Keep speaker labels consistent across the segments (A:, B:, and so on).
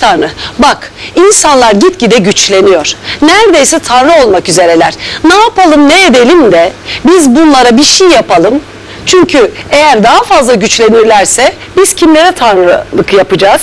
A: Tanrı, bak insanlar gitgide güçleniyor. Neredeyse Tanrı olmak üzereler. Ne yapalım, ne edelim de biz bunlara bir şey yapalım. Çünkü eğer daha fazla güçlenirlerse biz kimlere tanrılık yapacağız?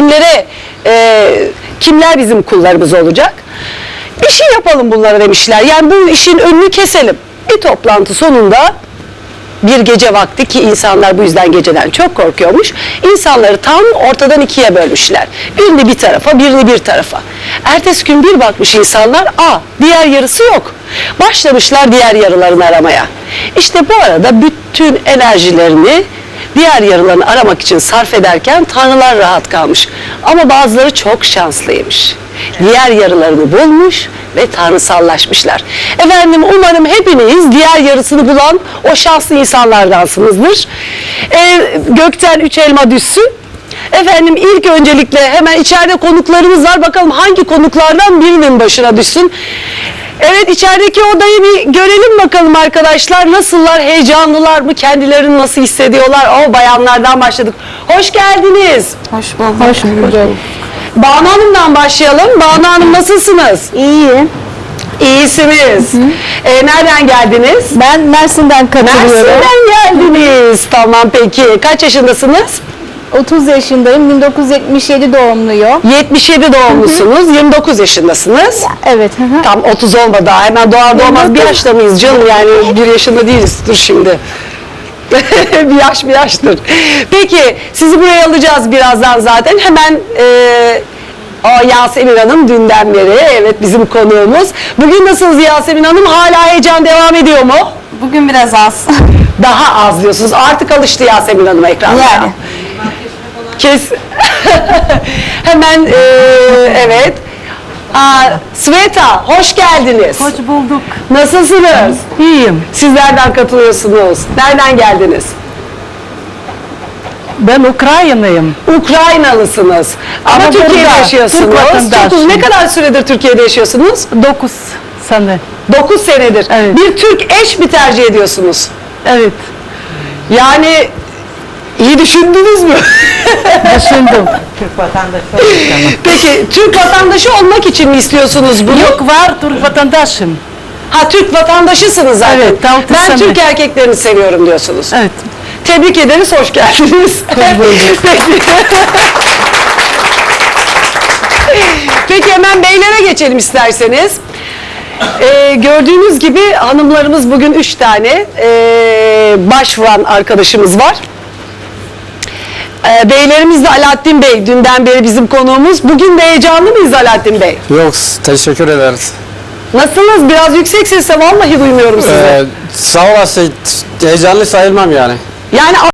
A: Kimler bizim kullarımız olacak? Bir şey yapalım bunlara demişler. Yani bu işin önünü keselim. Bir toplantı sonunda bir gece vakti, ki insanlar bu yüzden geceden çok korkuyormuş, İnsanları tam ortadan ikiye bölmüşler. Birini bir tarafa, birini bir tarafa. Ertesi gün bir bakmış insanlar, diğer yarısı yok. Başlamışlar diğer yarılarını aramaya. İşte bu arada bütün enerjilerini diğer yarılarını aramak için sarf ederken tanrılar rahat kalmış. Ama bazıları çok şanslıymış. Diğer yarılarını bulmuş ve tanrısallaşmışlar. Efendim, umarım hepiniz diğer yarısını bulan o şanslı insanlardansınızdır. Gökten 3 elma düşsün. Efendim, ilk öncelikle hemen içeride konuklarımız var. Bakalım hangi konuklardan birinin başına düşsün. Evet, içerideki odayı bir görelim bakalım arkadaşlar. Nasıllar, heyecanlılar mı, kendilerini nasıl hissediyorlar? Bayanlardan başladık. Hoş geldiniz.
B: Hoş bulduk. Hoş bulduk.
A: Banu Hanım'dan başlayalım. Banu Hanım, nasılsınız?
B: İyiyim.
A: İyisiniz. Nereden geldiniz?
B: Ben Mersin'den katılıyorum.
A: Mersin'den geldiniz. Tamam, peki. Kaç yaşındasınız?
B: 30 yaşındayım. 1977 doğumluyum.
A: 77 doğumlusunuz. 29 yaşındasınız.
B: Evet.
A: Tam 30 olmadı daha. Hemen doğar doğmaz bir yaşta mıyız canım? Yani 1 yaşında değiliz. Dur şimdi. bir yaştır. Peki, sizi buraya alacağız birazdan zaten. Hemen Yasemin Hanım dünden beri, evet, bizim konuğumuz. Bugün nasılsınız Yasemin Hanım? Hala heyecan devam ediyor mu?
B: Bugün biraz az.
A: Daha az diyorsunuz. Artık alıştı Yasemin Hanım ekranlara.
B: Yani.
A: Hemen evet. Sveta, hoş geldiniz.
C: Hoş bulduk.
A: Nasılsınız?
C: İyiyim.
A: Siz nereden katılıyorsunuz? Nereden geldiniz?
C: Ben Ukraynalıyım.
A: Ukraynalısınız. Ama Türkiye'de
C: burada
A: yaşıyorsunuz.
C: Türk vatandaşıyım.
A: Ne kadar süredir Türkiye'de yaşıyorsunuz?
C: 9 sene.
A: 9 senedir.
C: Evet.
A: Bir Türk eş mi tercih ediyorsunuz?
C: Evet.
A: Yani iyi düşündünüz mü?
C: Düşündüm.
D: Türk vatandaşı.
A: Peki, Türk vatandaşı olmak için mi istiyorsunuz bunu?
C: Yok, var Türk vatandaşım.
A: Türk vatandaşısınız zaten.
C: Evet, 6
A: ben
C: sene.
A: Türk erkeklerini seviyorum diyorsunuz.
C: Evet.
A: Tebrik ederiz, hoş geldiniz. Peki, hemen beylere geçelim isterseniz. Gördüğünüz gibi hanımlarımız bugün 3 tane başvuran arkadaşımız var. Beylerimiz de Alaaddin Bey, dünden beri bizim konuğumuz. Bugün de heyecanlı mıyız Alaaddin Bey?
E: Yok, teşekkür ederiz.
A: Nasılsınız? Biraz yüksek sesle, vallahi duymuyorum sizi.
E: Sağ olasın, heyecanlı sayılmam yani.
A: Yani